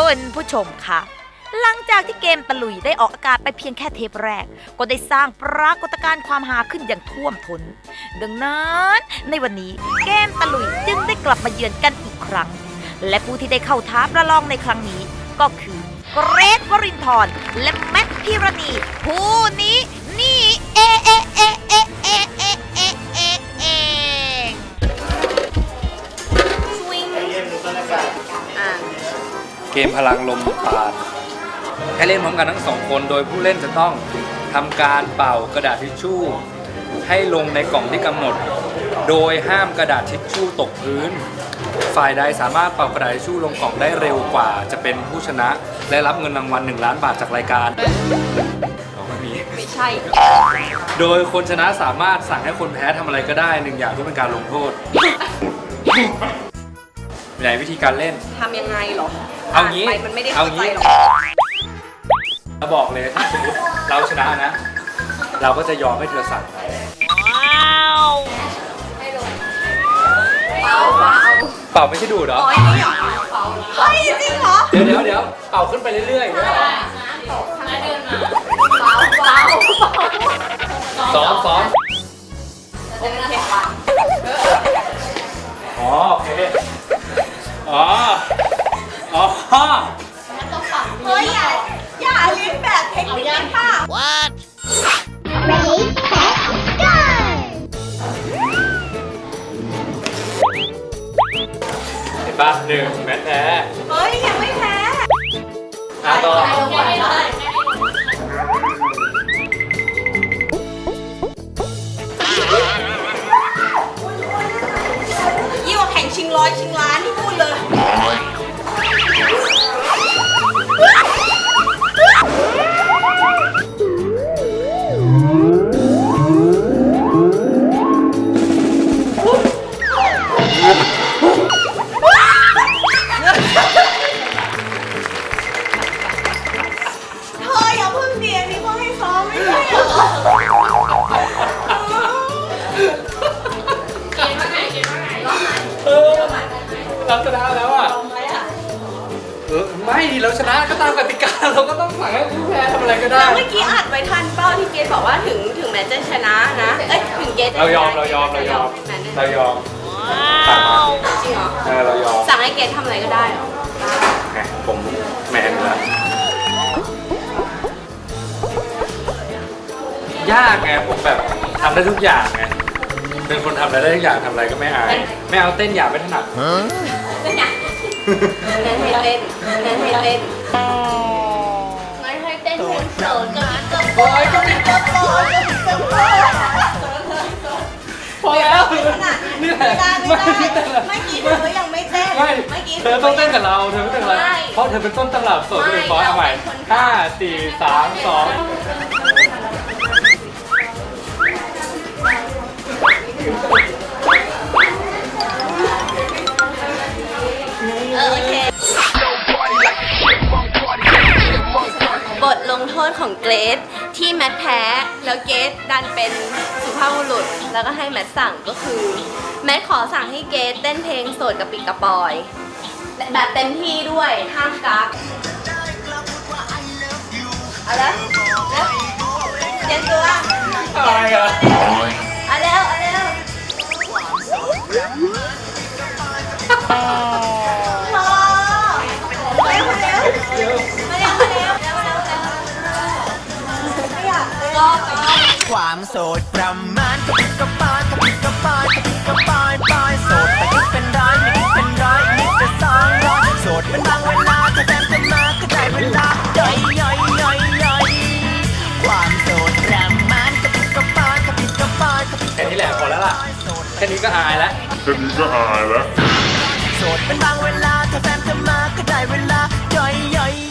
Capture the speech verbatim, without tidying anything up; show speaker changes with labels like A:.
A: คุณผู้ชมคะหลังจากที่เกมตะลุยได้ออกอากาศไปเพียงแค่เทปแรกก็ได้สร้างปรากฏการณ์ความฮาขึ้นอย่างท่วมท้นดังนั้นในวันนี้เกมตะลุยจึงได้กลับมาเยือนกันอีกครั้งและผู้ที่ได้เข้าท้าประลองในครั้งนี้ก็คือเกรทวรินทร์และแมทพิรณีผู้นี้นี่เอเอเอเอเอเอเอเอเอง
B: เกมพลังลมปราณให้เล่นพร้อมกันทั้งสองคนโดยผู้เล่นจะต้องทำการเป่ากระดาษทิชชู่ให้ลงในกล่องที่กำหนดโดยห้ามกระดาษทิชชู่ตกพื้นฝ่ายใดสามารถเป่ากระดาษทิชชู่ลงกล่องได้เร็วกว่าจะเป็นผู้ชนะและรับเงินรางวัลหนึ่งล้านบาทจากรายการไม่มีไม่ใช่โดยคนชนะสามารถสั่งให้คนแพ้ทำอะไรก็ได้หนึ่งอย่างเพื่อเป็นการลงโทษไหนวิธีการเล่น
C: ทำยังไงหรอ
B: เอางี้
C: มันไม่ได้เข้าใจหรอก
B: เราบอกเลยถ้าสมมติเราชนะนะเราก็จะยอมให้เธอสั่งว้าวเป่าเป่าเป่าไม่ใช่ดูดเหรอ
C: อ๋อไม่หรอเป่าเฮ้ยจริงเหรอ
B: เดี๋ยวเดี๋ยวเดี๋ยวเป่าขึ้นไปเรื่อยๆเนี่ย
C: เป่าเป่า
B: ซ้อมซ้อมอ๋อโอเคอ๋ออ๋อ
C: เฮ้ยอย่าอย่าเลี้ยงแบบเทคนิคค่ะ
A: What
D: Ready set go
B: เห็นป่ะหนึ่งแมทแพ้
C: เฮ้ยยังไม่แพ้
B: อ่ะต่อ
C: ยิ่งกว่าแข่งชิงร้อยชิงล้านที่พูดเลย
B: เราชนะแล้วอ่ะเออไม่ดิเราชนะก็ตามกติกาเราก็ต้องสั่งให้ผู้แพ้ทำอะไรก็ได้
C: เมื่อกี้อัดไว้ทันเป้าที่เกรทบอกว่าถึงถึงแม้จะชนะนะเอ้ยถึงเกรท
B: เรายอมเรายอมเรายอมเรายอม
C: จริงเหรอ
B: เออเรายอม
C: สั่งให้เกรททำอะไรก็ได้เหรอ
B: ผมแมนแล้วยากไงผมแบบทำได้ทุกอย่างไงเป็นคนทำอะไรได้ทุกอย่างทำอะไรก็ไม่อายไม่เอาเต้นหยาบไม่ถนัด
C: เต้นหยาบเต้นให้เต้นเต้นให้เต้นงั้นให้เต้นเพลงโสดกับโอยกับกับโอยกับโอย
B: พอแล้ว
C: นี่แหละไม่ได้ไม่กี้เธอยังไม่เต้น
B: ไม่เธอต้องเต้นกับเราเธอไม่เต้นกับเราเพราะเธอเป็นต้นตำรับโสดเป็นฟอยเอาใหม่ห้าสี่สามสอง
C: บทลงโทษของเกรทที่แมทแพ้แล้วเกรทดันเป็นสุภาพบุรุษแล้วก็ให้แมทสั่งก็คือแมทขอสั่งให้เกรทเต้นเพลงโสดกับปิกกระปอยแบบเต็มที่ด้วยห้ามกักเอาละแล้วเตรียมตัว
B: อะไรอ่ะ
C: เอาแล้วเอาแล้ว
E: ความโสดประมาณกระปิดกระปายกระปิดกระปายกระปิดกระปายปายโสดแต่คิดเป็นร้อยไม่คิดเป็นร้อยนิดจะสองร้อยโสดเป็นบางเวลาถ้าแฟนจะมาก็ได้เวลาย่อยย่อยย่อยย่อยความโสดประมาณกระปิดกระปายกระปิดกระปาย
B: แค่นี้แหละพอแล้วล่ะแค่นี้ก็อายแล้ว
E: แค่นี้ก็อายแล้วโสดเป็นบางเวลาถ้าแฟนจะมาก็ได้เวลาย่อยย่อย